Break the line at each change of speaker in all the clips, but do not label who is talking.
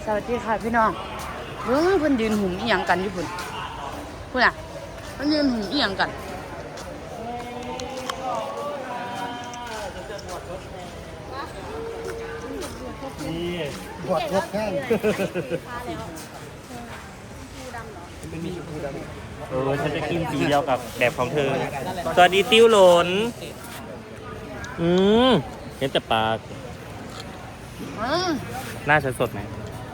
สวัสดีค่ะพี่น้องเพิ่นยืนหุ่มอีหยังกันอยู่พุ่นอ่ะเพิ่นยืนหุ่มอีหยังกัน
นี่
บวชรถแห้ง
ฉันจะกินสีเดียวกับแบบของเธอสวัสดีติ้วหลนเห็นแต่ปากหน้าฉันสดไหม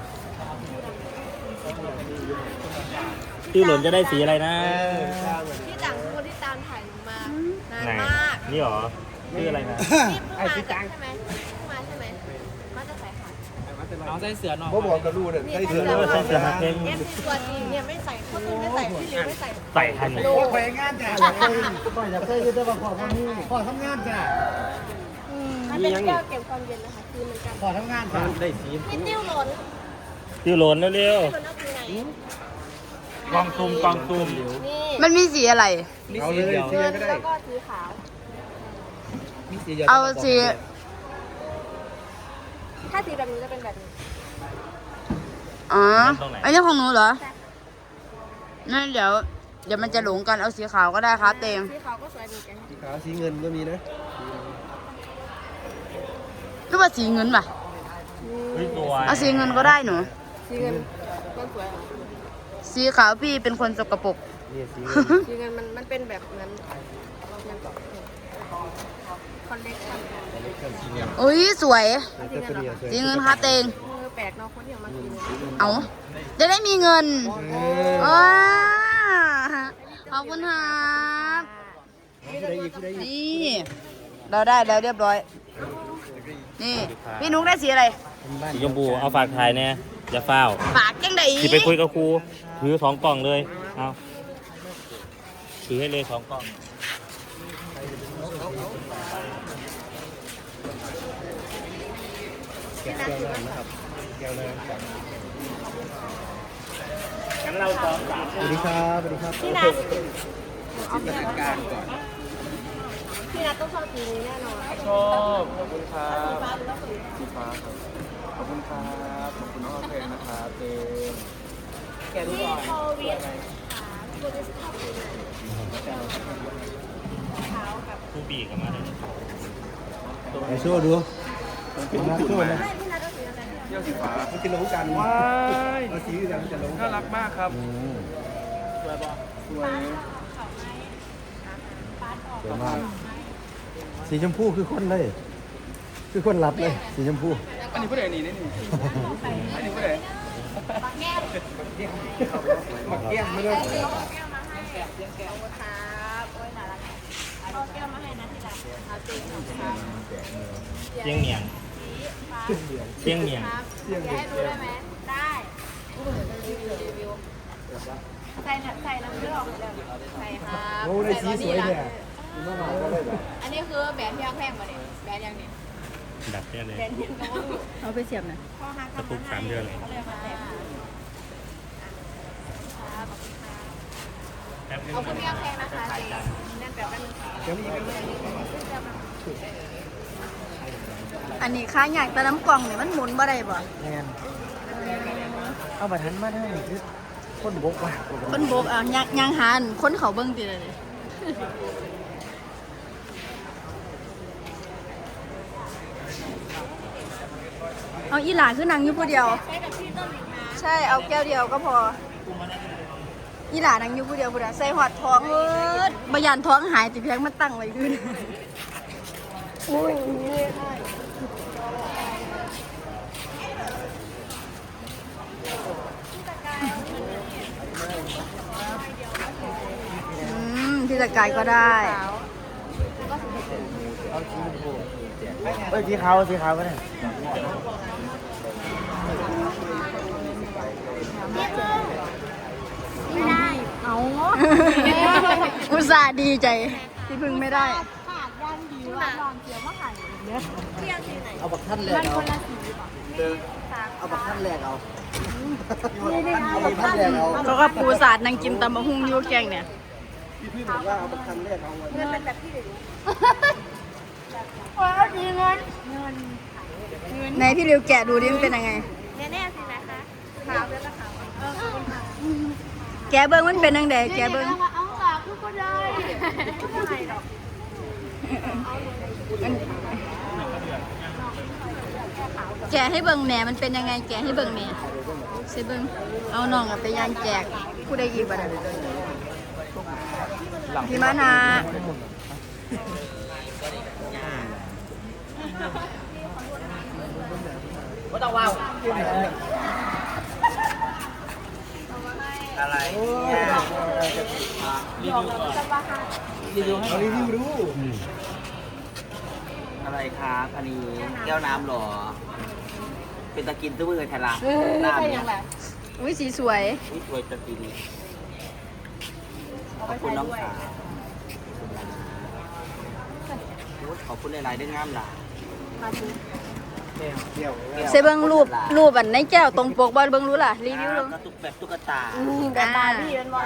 ติ้วหลนจะได้สีอะไรนะ
ที่ต่างคนที่ตามถ่ายหนูมานานมาก
นี่หรอชื่ออะไรนะ
นี่เพิ่งมาใช่ไหมมาใช่ไหมมาจะใส่ขา
เอาใส่เสือหน่อยบ่บอกกับลูกเนี่ยใส่เสือ
ใส่เสือเพ่ง
เนี่ยตัวจริงเนี่ยไม่ใส่คนอื่นไม่ใส่พี่ลิวไม่ใส่
ใส่ทัน
โอ้ไปงานจ้ะอยากเคยจะมาขอพ่อนี่ขอทำงานจ้ะ
มันเป็นแก้วเก็บความเย็นนะคะคือมันกัน
ขอทำงานจ้ะได้สี
พี่ติ้วหล่น
ติ้วหลนเร็ว
หล่นเอาคือไหน
กองซุ่ม
นี่
มันมีสีอะไร
เอาเลยสี
เงิน
ก็ได้
แล้วก็สีขาว
มีสี
เอาสี
ถ้าสีแบบนี้จะเป็นแบบนี้
อ๋ออันนี้ของหนูเหรอนั่นเดี๋ยวมันจะหลงกันเอาสีขาวก็ได้ครับเตง
สีขาวก็สวยดีกัน
สีขาวสีเงินก็มีนะ
หรือว่าสีเงินป่ะ
ตัว
เอาสีเงินก็ได้หนู
สีเงินมันสวย
สีขาวพี่เป็นคนสกปรก
นี่สี
สีเงินมันเป็นแบบนั้นมันต่อคอนเล็กชัน
อุ้ยสวย
สีเงิน
สีเงินครับเตง
แปลกเนาะคนที่เอามากิน
เอาจะได้มีเงินว้าขอบคุณครับ นี่เราได้แล้วเรียบร้อย นี่พี่นุ๊กได้สีอะไร
สีชมพูเอาฝากถ่ายเนี่ยอย่าเฝ้า
ปากจังได
สิไปคุยกับครูถือ2 กล่องเลยเอาถือให้เลย2 กล่องงั้นเราซ้อม3
สวัสดีครับสวัสดีครับ
พี่นัท
เอาเป็นการก่อน
พี่นัทต้องชอบสีนี้แน่นอน
ชอบขอบคุณครับสีฟ้าครับขอบคุณครับขอบคุณน้องเพลงนะครับเจมแกรู้ก่อน
โควิดโควิดชอบสีไหนขาวกับ
ครูบีกับมาเลย
ไอโชว์ดูเป็นนักโชว์นะ
พี่นัทต้องสีอะไร
เที่ยวสีฟ้ามันจะลงกันว้ายเอาสีกันจะลงน่ารักมากครับสวยป่ะสวยสวยมากสีชมพูคือคนเลยคือคนรับเลยสีชมพูอันนี้ผู้ใดนี่นี่อันนี้ผู้ใดมักแก้มไม่ได้
แก้วมาให้ครับโอ้ยน่ารักเอาแก้วมาให้นะที่รักเอาเต็มครับ
เชียงเมียงเชียงเมียง
อยากให้ดูได้ไหมได้รีวิวใส่น้ำเลือดใส่ครับ
โอ้ได้สีสวยเนี่ย
อันนี้คือแบรนด์ที่แพงกว่าเนี่ยแบรนด์ยังเนี่ย
ดับเนี่ยเลย
แบรนด์ยังก็ว่า
เอาไปเสียบหน่อย
พ่อฮัก
กระปุก3 เดือนเลย
เขาเลยมาแบบขอบคุณพี่แพงนะคะเจนั่นแบบนั้น
อันนี้ค้าอยากแต่น้ำกล่องเนี่ยมันหมุนบ่ได้บ่
แงนเอาบัตรทันมาได้คือคนบกว่ะ
คนโบกเอายางหานคนเขาเบิ่งติเลยเอาอีหลาคือนางอยู่ผู้เดียว
ใช้กับพี่ต้นอีกนะ
ใช่เอาแก้วเดียวก็พออีหลานางอยู่ผู้เดียวผู้เดียวใส่หอดท้องบยานท้องหายติเพียงมันตั้งไว้ขึ้น
อุ้ย
พี่ตะกายก็ได้
เอ้ยสีขาวก็ได้
ไม่ได้
เอาอุตส่าห์ดีใจที่พึ่งไม่ได้
ขาดด้านดีว่านอนเสียวว่าขาดเยอะเที่ยงสีไหน
เอาบัตรทันแรกเอาเอาบัตรทันแรกเอาเอาบัตรทันแรกเอา
เขาก็ปูสาดนางกินตำบะฮุ่งยูแกงเนี่ย
พี่บอกว่าเอาบัตรทันแรกเอา
เงินเป็นแบบพี่หรือ
ว้าวดีเงินไหนพี่ริวแกะดูดิมันเป็นยังไง
แน่ๆสินะคะ
แกเบิ้งมันเป็นยังไงแกเบิ้ง
เอาหลักทุกคนได้ไม่ได้หรอก
แกะให้เบิ้งแหน่มันเป็นยังไงแกะให้เบิ้งแหน่สิเบิ้งเอาน้องไปย่างแจกผู้ใดอีกบ้างพี่มานา
อะไร
รีวิวดู
อะไรครับอันนี้แก้วน้ำหรอ เป็นตะกินตู้มือแทนละ
ไม่
น้ำ
ใช่
เนี่
ยั
ย
งไง
อุ้ยสีสวย
นี่สวยตะกินขอบคุณน้องสาวขอบคุณหลายๆเรื่องงามหล่ะ
เซเบิ้งรูปอันในแก้วตรงปกบอลเบิ้งรู้ล่ะรีวิวลง
กระตุกแบบตุ๊กตา
แบบบาร์บี้เป็นว่า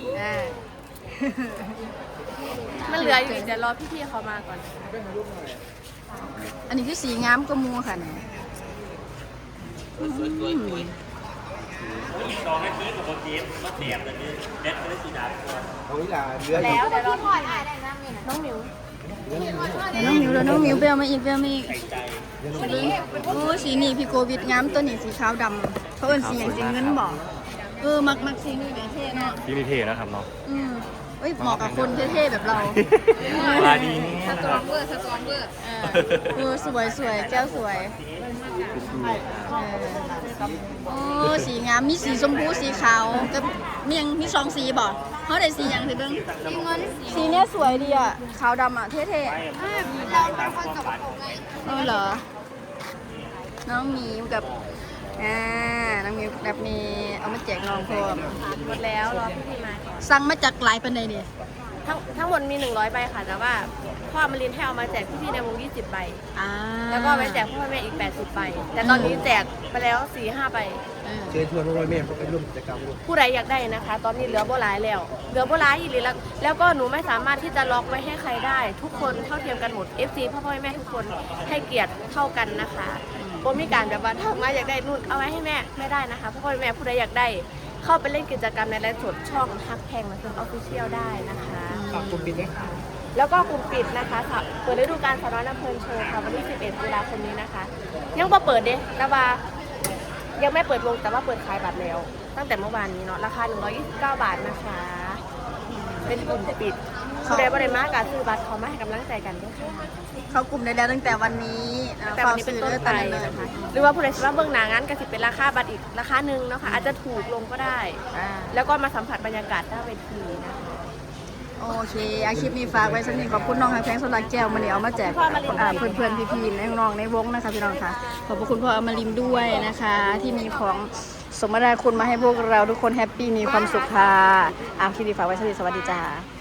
มันเหลืออยู่เดี๋ยวรอพี่ๆเขามาก่อน
อันนี้คือสีงามก็มูค่ะ
สวยๆ
อีก2 นาทีกับโปรเจกต์ก็แถมเลยเด็ดไม่ได้สีดำ
เอาอีหล่าเรือ
แล้วเดี๋ยวรอพี่ได้นะน้องหมิว
น้องมิวแล้วน้องมิวไปเอามาอีกไปเอามาอีก
ไก่ใจ
โอ้สีนี่พี่โควิดงามตัวนี้สีขาวดำเขาเป็นสีอย่างสีเงินบอกมักสีนี่แบบเท่เนาะ
ที่นี่เท่นะครับเนาะ
เอ้ยเหมาะกับคนเท่ๆแบบเรา
ปลาดี
สตรองเวอร์
สวยแก้วสวยสีงามมีสีชมพูสีขาวกับมีสองสีบอกเขาได้สีอย่างสิเบิ้งสีเนี้ยสวยดีอ่ะขาวดำอ่ะเท่ๆ
เราเป็นคนสกปรกไง
เหรอ น้องหมีกับน้องหมีแบบนี้เอามาแจกน้องพร้อม
หมดแล้วรอพี่ๆมาก่อน
สั่งมาจากหลายปันใดเนี่ย
ทั้งหมดมี100ใบค่ะแต่ว่าพ่อมารินให้เอามาแจกพี่ๆในวง20ใบ
อ่า
แล้วก็ไปแจกพ่อแม่อีก80ใบแต่ตอนนี้แจกไปแล้ว 4-5ใบ
เชิญชวนน้องๆแม่เข้าไปร่วมกิจกรรมด้วย
ผู้ใดอยากได้นะคะ ตอนนี้เหลือโบหลายแล้วเหลือโบหลายอีกแล้วก็หนูไม่สามารถที่จะล็อกไว้ให้ใครได้ ทุกคนเท่าเทียมกันหมด FC พ่อแม่ทุกคนให้เกียรติเท่ากันนะคะโบมีการแบบว่าถ้ามาอยากได้นู่นเอาไว้ให้แม่ไม่ได้นะคะพ่อแม่ผู้ใดอยากได้ เข้าไปเล่นกิจกรรมในไลฟ์สดช่องฮักแพงมาเพิ่มออฟฟิเชียลได้นะคะ
ขอบคุณบินด้วยค่ะ
แล้วก็กลุ่มปิดนะคะเปิดฤดูกาลสาวน้อยลำเพลินโชว์ค่ะวันที่11ตุลาคมนี้นะคะยังบ่เปิดเด้แต่ว่ายังไม่เปิดวงแต่ว่าเปิดขายบัตรแล้ว ตั้งแต่เมื่อวานนี้เนาะราคา129 บาทนะคะ เป็นกลุ่มปิดผู้ใดบ่ได้มาการซื้อบัตรเขามาให้กำลังใจกันด้วยค่ะ
เข้ากลุ่มได้แล้วตั้งแต่วันนี้
แต่วันนี้เป็นต้นไปนะคะหรือว่าผู้ใดคิดว่าเบื้องหน้างานก็สิเป็นราคาบัตรอีกราคาหนึ่งเนาะค่ะอาจจะถูกลงก็ได้ แล้วก็มาสัมผัสบรรยากาศหน้าเวทีนะคะ
โอเคอาคลิปนี้ฝากไว้สักนิดขอบคุณน้องแพงสลักแก้วมันเดี๋ยวเอามาแจกเพื่อนๆพี่ๆน้องๆในวงนะคะพี่น้องค่ะขอบคุณพ่ออมรินทร์ด้วยนะคะ ที่มีของสมนาคุณมาให้พวกเราทุกคนแฮปปี้มีความสุขค่ะคลิปนี้ฝากไว้สักนิดสวัสดีจ้า